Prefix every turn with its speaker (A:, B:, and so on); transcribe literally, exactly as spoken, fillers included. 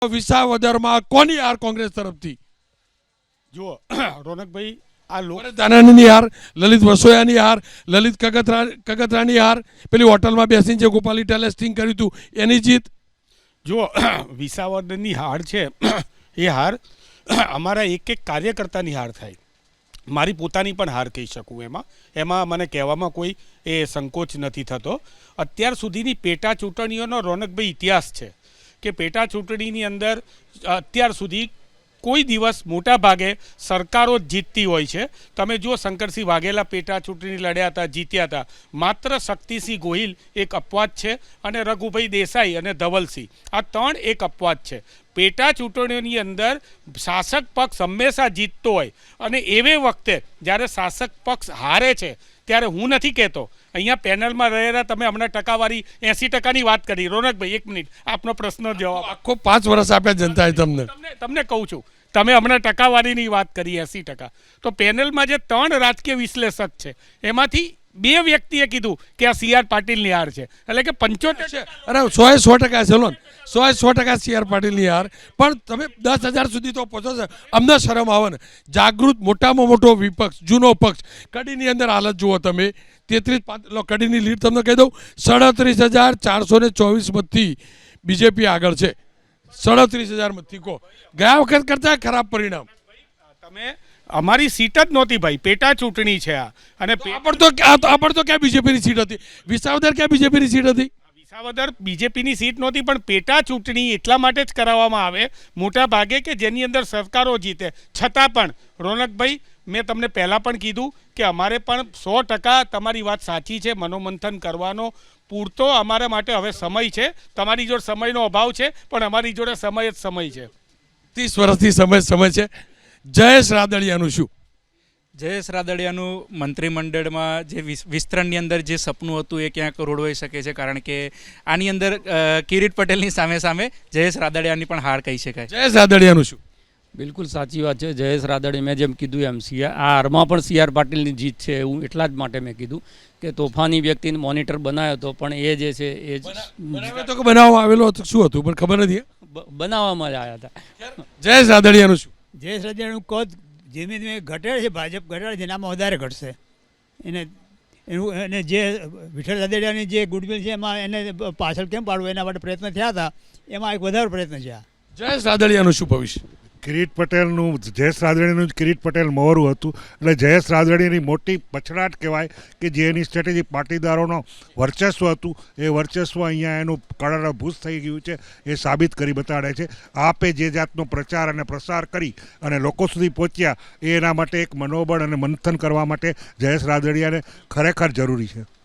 A: વિસાવદરમાં કોની હાર કોંગ્રેસ તરફથી?
B: જુઓ રોનકભાઈ, આ લોકો
A: દાનાની હાર, લલિત વસોયાની હાર, લલિત કગતરા કગતરાની હાર, પેલી હોટલમાં બેસીને જે ગોપાલી ટેલેસ્ટિંગ કર્યું હતું એની જીત.
B: જુઓ વિસાવદરની હાર છે એ હાર અમારા એક એક કાર્યકર્તાની હાર થાય, મારી પોતાની પણ હાર કહી શકું. એમાં એમાં મને કહેવામાં કોઈ એ સંકોચ નથી થતો. અત્યાર સુધીની પેટા ચૂંટણીઓનો રોનકભાઈ ઇતિહાસ છે કે પેટા ચૂંટણીની અંદર અત્યાર સુધી કોઈ દિવસ મોટા ભાગે સરકારો જ જીતતી હોય છે. તમે જુઓ શંકરસિંહ વાઘેલા પેટા ચૂંટણી લડ્યા હતા, જીત્યા હતા. માત્ર શક્તિસિંહ ગોહિલ એક અપવાદ છે અને રઘુભાઈ દેસાઈ અને ધવલસિંહ આ ત્રણ એક અપવાદ છે. પેટા ચૂંટણીઓની અંદર શાસક પક્ષ હંમેશા જીતતો હોય અને એવે વખતે જ્યારે શાસક પક્ષ હારે છે ત્યારે હું નથી કહેતો, અહીંયા પેનલમાં રહેલા તમે હમણાં ટકાવારી એંસી ટકાની વાત કરી. રોનકભાઈ એક મિનિટ, આપનો પ્રશ્ન જવાબ.
A: આખો પાંચ વર્ષ આપ્યા જનતાએ તમને.
B: તમને તમને કહું છું, તમે હમણાં ટકાવારીની વાત કરી એંસી ટકા, તો પેનલમાં જે ત્રણ રાજકીય વિશ્લેષક છે એમાંથી બે વ્યક્તિએ કીધું કે આ સી આર પાટીલની હાર છે, એટલે કે પંચોતેર છે.
A: અરે સો એ સો ટકા છે લોન, સો એ સો ટકા સી આર પાટીલની હાર. પણ તમે દસ હજાર સુધી તો પહોંચો છો, અમને શરમ આવે ને. જાગૃત મોટામાં મોટો વિપક્ષ, જૂનો પક્ષ, કડીની અંદર હાલત જુઓ તમે. તેત્રીસ કડીની લીડ તમને કહી દઉં, સાડત્રીસ હજાર ચારસો ને ચોવીસ મતથી બીજેપી આગળ છે. સાડત્રીસ હજાર મતથી કહો, ગયા વખત કરતા ખરાબ પરિણામ.
B: તમે અમારી સીટ જ નહોતી ભાઈ, પેટા ચૂંટણી છે આ. અને
A: પણ તો પણ તો ક્યાં બીજેપીની સીટ હતી? વિસાવદર ક્યાં બીજેપીની સીટ હતી?
B: વિસાવદર બીજેપીની સીટ નહોતી, પણ પેટા ચૂંટણી એટલા માટે જ કરાવવામાં આવે મોટા ભાગે કે જેની અંદર સરકારો જીતે. છતાં પણ રોનકભાઈ, મેં તમને પહેલાં પણ કીધું કે અમારે પણ સો ટકા તમારી વાત સાચી છે, મનોમંથન કરવાનો પૂરતો અમારા માટે હવે સમય છે. તમારી જોડે સમયનો અભાવ છે, પણ અમારી જોડે સમય જ સમય છે.
A: ત્રીસ વર્ષથી સમય સમય છે. જયેશ રાદડિયાનું શું?
C: જયેશ રાદડિયાનું મંત્રીમંડળમાં જે વિસ્તરણની અંદર જે સપનું હતું એ ક્યાંક રોડવાઈ શકે છે, કારણ કે આની અંદર કિરીટ પટેલની સામે સામે જયેશ રાદડિયાની પણ હાર કહી શકાય.
A: જયેશ રાદડિયાનું શું?
D: બિલકુલ સાચી વાત છે. જયેશ રાદડિયા, મેં જેમ કીધું એમ સી આ હારમાં પણ સી આર પાટીલની જીત છે. એવું એટલા જ માટે મેં કીધું કે તોફાની વ્યક્તિને મોનિટર બનાવ્યો હતો, પણ એ જે છે એ જ
A: બનાવ્યો તો કે બનાવવામાં આવેલો હતો, શું હતું પણ ખબર નથી.
D: બનાવવામાં જ આવ્યા હતા.
A: જયેશ રાદડિયાનું શું?
E: જયેશ રાદડિયાનું કદ ધીમે ધીમે ઘટે છે, ભાજપ ઘટાડે છે, એનામાં વધારે ઘટશે. એને એનું એને જે વિઠ્ઠલ રાદડિયાની જે ગુડવિલ છે એમાં એને પાછળ કેમ પાડવું એના માટે પ્રયત્ન થયા હતા, એમાં એક વધારે પ્રયત્ન છે.
A: જયેશ રાદડિયાનું શું ભવિષ્ય?
F: કિરીટ પટેલનું, જયેશ રાદડિયાનું જ કિરીટ પટેલ મોરું હતું, એટલે જયેશ રાદડિયાની મોટી પછડાટ કહેવાય કે જે એની સ્ટ્રેટેજી પાટીદારોનો વર્ચસ્વ હતું એ વર્ચસ્વ અહીંયા એનું કળરભૂસ થઈ ગયું છે, એ સાબિત કરી બતાડે છે. આપે જે જાતનો પ્રચાર અને પ્રસાર કરી અને લોકો સુધી પહોંચ્યા એ એના માટે એક મનોબળ અને મંથન કરવા માટે જયેશ રાદડિયાને ખરેખર જરૂરી છે.